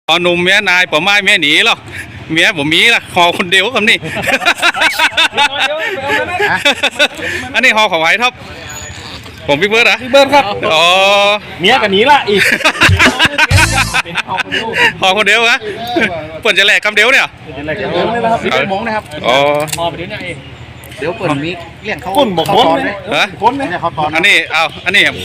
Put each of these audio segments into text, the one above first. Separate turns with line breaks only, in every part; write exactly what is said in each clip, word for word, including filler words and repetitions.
พอหนุ่มเมียนายผมไม่เมียหนีหรอกเมียผมมีละหอคนเดียวคำนี้ อันนี้หอของไผ่ท็อปผมพี่เบิร์ดอะ
พี่เบิร์ดครับ
อ๋อ
เมียกับหนีละอีก
หอคนเดียวอะเปิดจะแหลกคำเดียวเนี่ย
มีเป็นมงนะครับ
อ๋อ
พอไปเดี๋ยวนี้เอง
เดี๋ยวเปิดมีเลี้ยงเขา
ก้นบอก
เขา
ม้วน
ตอน
เล
เลย ย
ฮะ
ก้นเลย
เนี่ยเขาตอน
อันนี้เอาอันนี้คน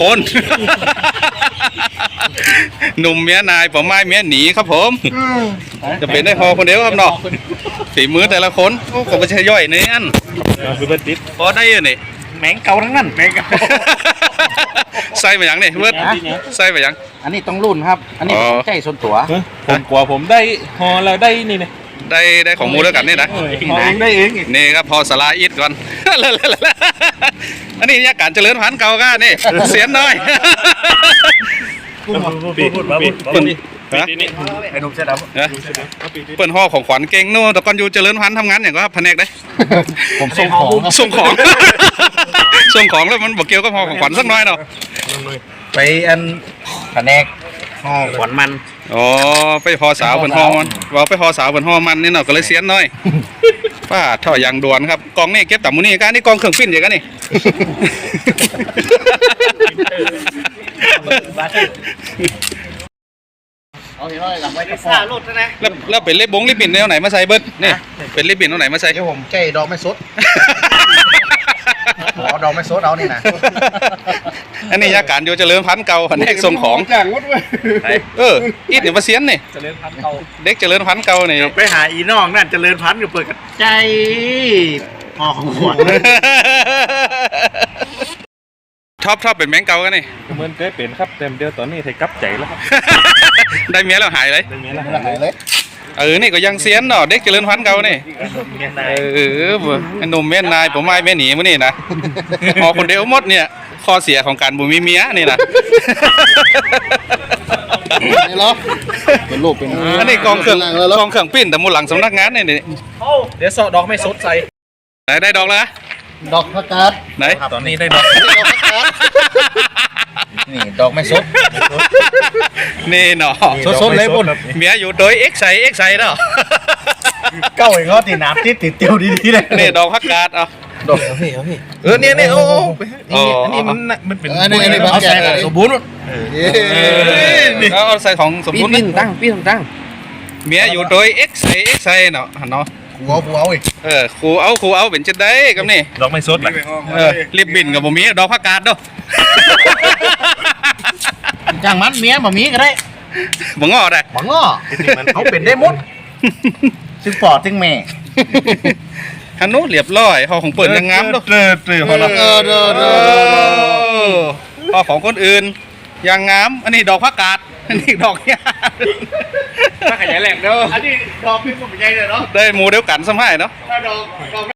หนุ่มเมียนายผมไม่เมียหนีครับผม จะเป็นได้หอคนเดียวครับเนาะฝีมือแต่ละคนโอ้ผมก็ใช้ย่อยเนียน
พี่เบิร์ดติด
พอได้ยังนี่
แมงเก่าทั้งนั้นแมงเก่า
ใส่ไปยังนี่เบิร์ดใส่ไปยัง
อันนี้ต้องรุ่นครับ อันนี้
อ๋อ
ใจส่วนตัว
ผมกลัวผมได้ฮอแล้วได้นี่เนี่ย
ได้ได้ของมูลแล้วกันนี่นะ
ฮอเองได้เองอีก
นี่ครับพอสลาอิดก่อน อันนี้ยาการเจริญพันธุ์เก่าก้านี่เสียนน้อย
พูดพูดมาพูด
เปิ่นฮะ
ไอ้หนุ่มเสื้อดำ
ฮะเปิ่นห่อของขวัญเก่งนู่นแต่ก่อนอยู่เจริญพันธุ์ทำงานอย่างก็แผนกได้
ผมส่งของครับ
ส่งของ ส่งของแล้วมันบอกเกี่ยวกับห่อของขวัญสักหน้อยเนาะ
ไปอันแผนกห่อขวัญมัน
อ๋อไปห่อสาวเปิ่นห่อมันว่าไปห่อสาวเปิ่นห่อมันนี่เนาะก็เลยเสียนน้อยป้าท่อยางด่วนครับกองนี่เก็บต่ำมูนี่การนี่กองเครื่องปิ้นอย่างกันนี่
เอาเห็นว่าหลังไว้ที่ซ่าลดนะ
แล้วแล้วเป็นเล็บบงลิบบินแนวไหนมาใส่เบิร์ดนี่เป็นลิบบินแนวไหนมาใส่
เดี๋ยวผมใจดอกไม่สดเอาดอกไม่สดเอานี่นะ
อันนี้ยาการโยเจริญพันธุ์เก่าแผนกส่งของ
จ้างวัดเว้ย
เอออีดเนี่ยมาเสียนนี่
เจริญพันธุ์เก่า
เด็กเจริญพันธุ์เก่านี่
ไปหาอีน้องนั่นเจริญพันธุ์กับเปิดกับใจห่อของขวัญ
ชอบชอบเป็นแมงเก่ากันนี่
เหมือนเคยเป็นครับเต็มเดียวตอนนี้ไทยกลับใจแล้วครับ
ได้เมียแล้วหายเลย
ได้เมียแล้ว
เลย
เออนี่ก็ยังเสียนเนาะเด็กเจริญพันธุ์เก่านี่เออไอ้หนุ่มแม่นายผมไม่แม่หนีมื้อนี่นะพอคนเดียวหมดเนี่ยข้อเสียของการบุมีเมียนี่นะ
นี่เหรอเป็นรูปเป็น
อันนี้กองเครื่องกองเครื่องปิ้นแต่มูลหลังสำนักงานนี่นี่
เดี๋ยวสอดดอกไม่สดใส่
ไหนได้ดอกแล้ว
ดอกผักกาด
ไหน
ตอนนี้ได้ดอก
นี่ดอกไม่สด
นี่เนาะ
สดๆเลยปุ่น
เมียอยู่โดยเอ็กไซเอ็กไซเนาะ
เก้าเองก็ตีน้ำติดติดเตียวดีๆเลย
นี่ดอกพักกาดเอา
ดอกพี่เอาพี่
เออเนี่ยเนี่ยโอ้
อ๋อ
อันนี้มันมันเป็น
อันนี้อันนี้บางแก่สมบูรณ์
เอาเอาใส่ของสมบูรณ์
ปิ้
นะ
นตั้งปิ้นตั้ง
เมียอยู่โดยเอ็กไซเอ็กไซเนาะเนาะ
กูเอากูเอาอีก
เออครูเอาครูเอาเป็นจะได้กับนี่
ดอกไม่สดเลย
เออรีบบินกับบ่มีดอกพักกาดเนาะ
จ้างมันเมียบ่มีก็ได้
บ่งอได้
บังอ้อเขาเป็นได้หมดซึ่งปอดซึ่งแม่
ฮันโนเรียบร้อยหอของเปิดยังงามเนาะ
เตอเตอพอละ
เออเด้อ
เอ
เด้อ
อหอของคนอื่นยังงามอันนี้ดอกพักกาดอันนี้ดอกเนี่ย
ถ้าขยายแหลกเด้อ
อันนี้ดอกเป็นผมใหญ่เลยเนาะ
ได้หมูเดียวกันสมัยเนาะ
ถ้าดอกดอก